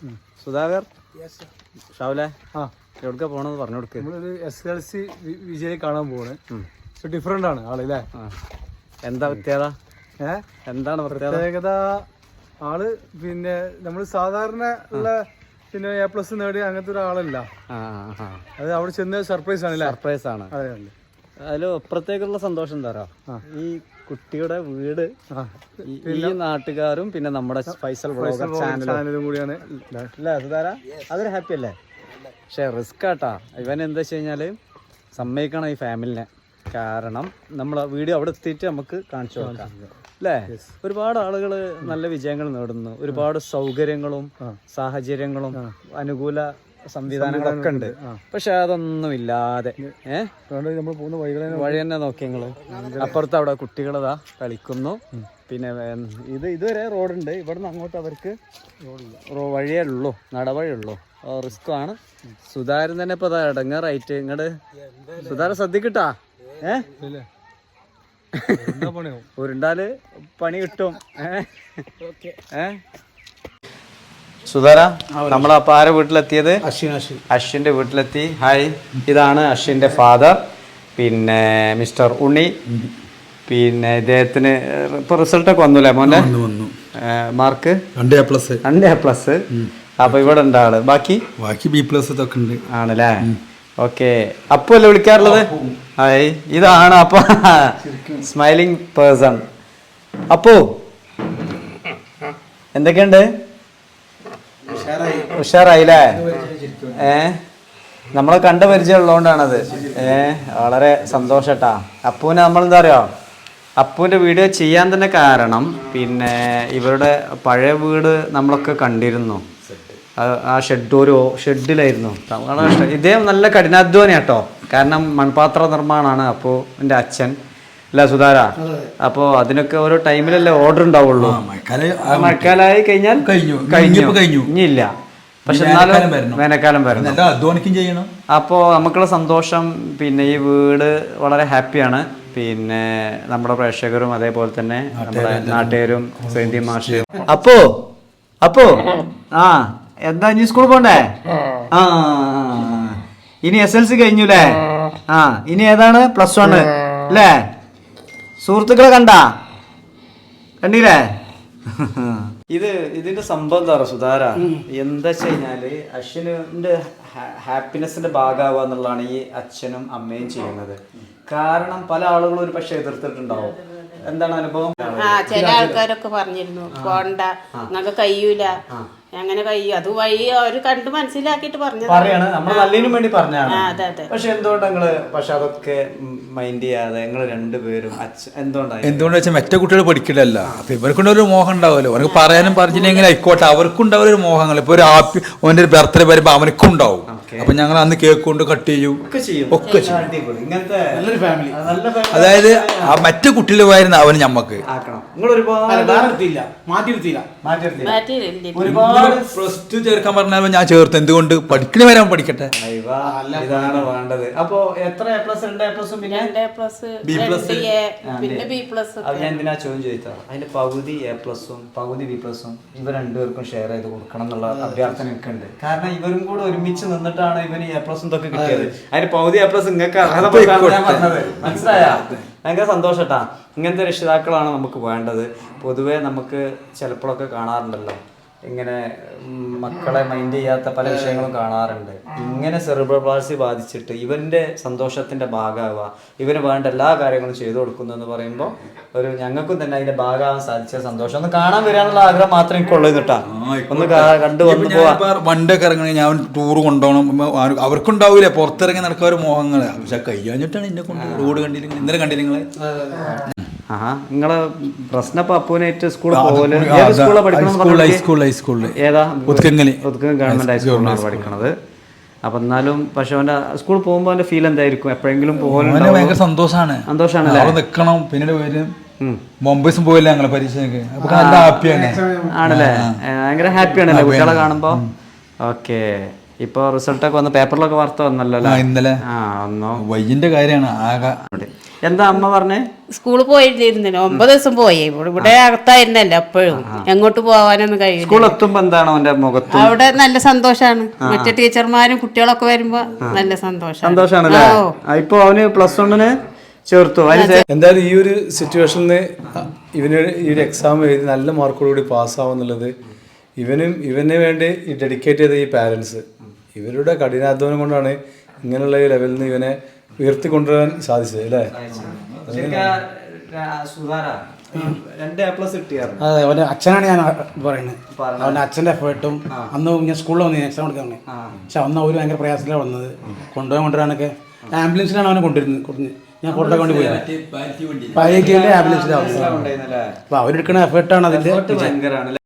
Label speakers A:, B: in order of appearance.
A: സുധാകർ ഷാവുലെ എവിടേക്കാ പോണെന്ന് പറഞ്ഞു കൊടുക്ക്.
B: നമ്മളൊരു SLC വിജയ് കാണാൻ പോവാണ്. ഡിഫറെന്റ് ആണ് ആള് അല്ലേ?
A: എന്താ പ്രത്യേകത? എന്താണ്
B: പ്രത്യേകത? ആള് പിന്നെ നമ്മൾ സാധാരണ ഉള്ള പിന്നെ A+ നേടിയ അങ്ങനത്തെ ഒരാളല്ല. അത് അവിടെ ചെന്ന് സർപ്രൈസ് ആണ്.
A: സർപ്രൈസ് ആണ്. അതിൽ അപ്പുറത്തേക്കുള്ള സന്തോഷം എന്താ ഈ കുട്ടിയുടെ വീട് ഈ നാട്ടുകാരും പിന്നെ നമ്മുടെ ഫൈസൽ വ്ളോഗർ ചാനലും കൂടിയാണ് അല്ലേ സുധാര? അതൊരു ഹാപ്പി അല്ലേ? പക്ഷെ റിസ്ക് ആട്ടാ. ഇവൻ എന്താ വെച്ച് കഴിഞ്ഞാല് സമ്മതിക്കണം ഈ ഫാമിലിനെ. കാരണം നമ്മളെ വീഡിയോ അവിടെ എത്തിയിട്ട് നമുക്ക് കാണിച്ചു കൊടുക്കാം അല്ലേ? ഒരുപാട് ആളുകൾ നല്ല വിജയങ്ങൾ നേടുന്നു. ഒരുപാട് സൗകര്യങ്ങളും സാഹചര്യങ്ങളും അനുകൂല സംവിധാനങ്ങളൊക്കെ ഉണ്ട്. പക്ഷെ അതൊന്നും ഇല്ലാതെ
B: നമ്മൾ പോകുന്ന
A: വഴി തന്നെ നോക്കി ഞങ്ങള്. അപ്പുറത്ത് അവിടെ കുട്ടികളതാ കളിക്കുന്നു. പിന്നെ ഇതുവരെ റോഡുണ്ട്. ഇവിടുന്ന് അങ്ങോട്ട് അവർക്ക് വഴിയേ ഉള്ളൂ, നടവഴിയുള്ളൂ. റിസ്ക് ആണ്. സുധാരൻ തന്നെ ഇപ്പൊ ഇടങ്ങാറായിട്ട് ഇങ്ങോട്ട് സുധാരൻ ശ്രദ്ധിക്കട്ടാ. ഉരുണ്ടാല് പണി കിട്ടും. സുധാര, നമ്മളപ്പോ ആരെ വീട്ടിലെത്തിയത്? അശ്വിന്റെ വീട്ടിലെത്തി. ഹായ്, ഇതാണ് അശ്വിന്റെ ഫാദർ, പിന്നെ മിസ്റ്റർ ഉണ്ണി. പിന്നെ ഇദ്ദേഹത്തിന് ഇപ്പൊ റിസൾട്ടൊക്കെ വന്നൂല്ലേ മോനെ? Mark 2A+. അപ്പൊ ഇവിടെ ഉണ്ട് ആള്. ബാക്കി
C: B+ ഇതൊക്കെ ഉണ്ട്
A: ആണല്ലേ? ഓക്കെ. അപ്പു അല്ലേ വിളിക്കാറുള്ളത്? ഹായ്, ഇതാണ് അപ്പൊ സ്മൈലിംഗ് പേഴ്സൺ. അപ്പു എന്തൊക്കെയുണ്ട്? ഉഷാറായില്ലേ? നമ്മളെ കണ്ട പരിചയം ഉള്ളതുകൊണ്ടാണത്. വളരെ സന്തോഷട്ടാ. അപ്പൂനെ നമ്മളെന്താ അറിയോ, അപ്പൂൻ്റെ വീഡിയോ ചെയ്യാൻ തന്നെ കാരണം പിന്നെ ഇവരുടെ പഴയ വീട് നമ്മളൊക്കെ കണ്ടിരുന്നു. ആ ഷെഡിലായിരുന്നു. ഇദ്ദേഹം നല്ല കഠിനാധ്വാനി കേട്ടോ. കാരണം മൺപാത്ര നിർമ്മാണമാണ് അപ്പോൾ എൻ്റെ അച്ഛൻ അല്ല സുധാര. അപ്പോൾ അതിനൊക്കെ ഓരോ ടൈമിലല്ലേ ഓർഡർ ഉണ്ടാവുള്ളൂ. മഴക്കാലമായി കഴിഞ്ഞാൽ ഇനിയില്ല. പക്ഷെ എന്നാലും വേനൽക്കാലം വരണം. അപ്പോൾ നമുക്കുള്ള സന്തോഷം. പിന്നെ ഈ വീട് വളരെ ഹാപ്പിയാണ്. പിന്നെ നമ്മുടെ പ്രേക്ഷകരും അതേപോലെ തന്നെ നമ്മുടെ നാട്ടുകാരും സേന്തി മാഷ്. അപ്പോ എന്താ ഇനി സ്കൂളിൽ പോണ്ടേ? ഇനി SLC കഴിഞ്ഞുല്ലേ? ഇനി ഏതാണ്? +1 അല്ലേ? സുഹൃത്തുക്കളെ കണ്ടില്ലേ? ഇതിന്റെ സംഭവം എന്താ പറയുക സുധാര? എന്താ വെച്ച് കഴിഞ്ഞാല് അശ്വിന്റെ ഹാപ്പിനെസിന്റെ ഭാഗമാവുക എന്നുള്ളതാണ് ഈ അച്ഛനും അമ്മയും ചെയ്യുന്നത്. കാരണം പല ആളുകളും ഒരു പക്ഷെ എതിർത്തിട്ടുണ്ടാവും. എന്താണ് അനുഭവം?
D: ചില ആൾക്കാരൊക്കെ പറഞ്ഞിരുന്നു പോണ്ട, നിങ്ങൾക്ക് കഴിയൂല, അങ്ങനെ കഴിയും. അത് വഴി അവര് കണ്ട് മനസ്സിലാക്കിട്ട്
A: പറയാണ്. നമ്മൾ നല്ലതിനും വേണ്ടി പറഞ്ഞാണ്. പക്ഷെ എന്തുകൊണ്ട് നിങ്ങള് അതൊക്കെ മൈൻഡ് ചെയ്യാതെ നിങ്ങൾ രണ്ടുപേരും
C: എന്തുകൊണ്ടാ വെച്ചാൽ മറ്റേ കുട്ടികൾ പഠിക്കില്ലല്ല. അപ്പൊ ഇവർക്കുണ്ടൊരു മോഹം ഉണ്ടാവുമല്ലോ. അവർക്ക് പറയാനും പറഞ്ഞില്ലെങ്കിൽ ആയിക്കോട്ടെ, അവർക്കുണ്ടാവും ഒരു മോഹങ്ങൾ. ഇപ്പൊ ഒരു ഓൻ്റെ ഒരു ബർത്ത്ഡേ വരുമ്പോ അവനക്കും ഉണ്ടാവും. അപ്പൊ ഞങ്ങൾ അന്ന് കേക്ക് കൊണ്ട് കട്ട് ചെയ്യും, ഒക്കെ ചെയ്യും. അതായത് ആ മറ്റു കുട്ടികൾ പോയിരുന്ന അവന് ഞമ്മക്ക് +2 ചേർക്കാൻ പറഞ്ഞാൽ ഞാൻ ചേർത്ത്. എന്തുകൊണ്ട്? പഠിക്കണ വരാൻ പഠിക്കട്ടെ.
A: ഇതാണ് വേണ്ടത്. അപ്പൊ എത്ര A+? 2A+, പിന്നെ
D: B+, പിന്നെ B+.
A: ഞാൻ എന്തിനാ ചോദ്യം ചോദിച്ചാ അതിന്റെ പകുതി A+, പകുതി B+, ഇവ രണ്ടുപേർക്കും ഷെയർ ചെയ്ത് കൊടുക്കണം എന്നുള്ള അഭ്യർത്ഥന ഒക്കെ ഉണ്ട്. കാരണം ഇവരും കൂടെ ഒരുമിച്ച് നിന്നിട്ടാണ് ഇവന് A+ ഇതൊക്കെ കിട്ടിയത്. അതിന് പകുതി A+ നിങ്ങൾക്ക് മനസ്സിലായ? ഭയങ്കര സന്തോഷട്ടാ. ഇങ്ങനത്തെ രക്ഷിതാക്കളാണ് നമുക്ക് വേണ്ടത്. പൊതുവെ നമുക്ക് ചിലപ്പോഴൊക്കെ കാണാറുണ്ടല്ലോ ഇങ്ങനെ മക്കളെ മൈൻഡ് ചെയ്യാത്ത പല വിഷയങ്ങളും കാണാറുണ്ട്. ഇങ്ങനെ സെറിബ്രൽ പാൾസി ബാധിച്ചിട്ട് ഇവന്റെ സന്തോഷത്തിന്റെ ഭാഗമാവുക, ഇവന് വേണ്ട എല്ലാ കാര്യങ്ങളും ചെയ്തു കൊടുക്കുന്നു എന്ന് പറയുമ്പോൾ ഒരു ഞങ്ങൾക്കും തന്നെ അതിന്റെ ഭാഗമാവാൻ സാധിച്ച സന്തോഷം. ഒന്ന് കാണാൻ വരാനുള്ള ആഗ്രഹം മാത്രം എനിക്കുള്ളൂ കേട്ടാ. ഒന്ന് കണ്ടു വന്നു പോവാ.
C: വണ്ടൊക്കെ ഇറങ്ങി ഞാൻ ടൂർ കൊണ്ടുപോകണം. അവർക്കുണ്ടാവൂലേ പുറത്തിറങ്ങി നടക്കാൻ ഒരു മോഹങ്ങള്. പക്ഷെ കഴിഞ്ഞിട്ടാണ് എന്നെ കൊണ്ട് റോഡ് കണ്ടില്ലെങ്കിൽ ഇന്നലെ കണ്ടില്ലേ
A: നിങ്ങളെ പ്രശ്നം അപ്പൂനായിട്ട് സ്കൂളിൽ പോകല്? ഏത് സ്കൂളിലാണ് പഠിക്കണം? ഏതാ? ഗവൺമെന്റ് ഹൈസ്കൂളിലാണ് പഠിക്കണത്. അപ്പൊ എന്നാലും പക്ഷെ അവന്റെ സ്കൂളിൽ പോകുമ്പോ അവന്റെ ഫീൽ എന്തായിരിക്കും? എപ്പോഴെങ്കിലും
C: ഭയങ്കര സന്തോഷാണ്. നിക്കണം. പിന്നീട് വരും മുംബൈസും പോയില്ല ഞങ്ങളെ പരീക്ഷയ്ക്ക്. നല്ല ഹാപ്പിയാണ്.
A: ആണല്ലേ? ഭയങ്കര ഹാപ്പിയാണല്ലേ കുട്ടികളെ കാണുമ്പോ? ഓക്കെ. ഇപ്പൊ റിസൾട്ടൊക്കെ വന്ന് പേപ്പറിലൊക്കെ വാർത്ത വന്നല്ലോ ഇന്നലെ.
C: വയ്യന്റെ കാര്യമാണ് ആകെ.
A: എന്താ അമ്മ പറഞ്ഞേ?
D: സ്കൂളിൽ പോയിരുന്നില്ല, 9 ദിവസം പോയി. ഇവിടെ അകത്തായിരുന്നല്ലോ എപ്പോഴും, എങ്ങോട്ട് പോവാനൊന്നും കഴിയില്ല.
A: സ്കൂൾ എത്തുമ്പോ എന്താണ് അവന്റെ മുഖത്ത്?
D: അവിടെ നല്ല സന്തോഷാണ്. മറ്റേ ടീച്ചർമാരും കുട്ടികളൊക്കെ വരുമ്പോ നല്ല
A: സന്തോഷാണല്ലേ? ഇപ്പൊ അവന് +1 ചേർത്തു.
B: എന്തായാലും ഈ ഒരു സിറ്റുവേഷനിൽ ഇവന് ഈ ഒരു എക്സാം എഴുതി നല്ല മാർക്കോടുകൂടി പാസ്സാവുന്നുള്ളത് ഇവന് വേണ്ടി ഈ ഡെഡിക്കേറ്റ് ചെയ്ത ഈ പാരൻസ് ഇവരുടെ കഠിനാധ്വാനം കൊണ്ടാണ് ഇങ്ങനെയുള്ള ഈ ലെവലിൽ നിന്ന് ഇവനെ ഉയർത്തിക്കൊണ്ടുവരാൻ സാധിച്ചത് അല്ലേ?
E: അതെ, അവന്റെ അച്ഛനാണ് ഞാൻ പറയുന്നത്. അവന്റെ അച്ഛന്റെ എഫേർട്ടും അന്ന് ഞാൻ സ്കൂളിൽ വന്നു എക്സാം കൊടുക്കാൻ വന്നത്. പക്ഷെ അന്ന് അവർ ഭയങ്കര പ്രയാസത്തിലാണ് വന്നത്. കൊണ്ടുവരാനൊക്കെ ആംബുലൻസിലാണ് അവനെ കൊണ്ടുവരുന്നത്. ഞാൻ കൊണ്ടു പോയി പാലിയേറ്റീവിന്റെ ആംബുലൻസിലാണ്. അപ്പൊ അവരെടുക്കുന്ന എഫേർട്ടാണ് അതിന്റെ.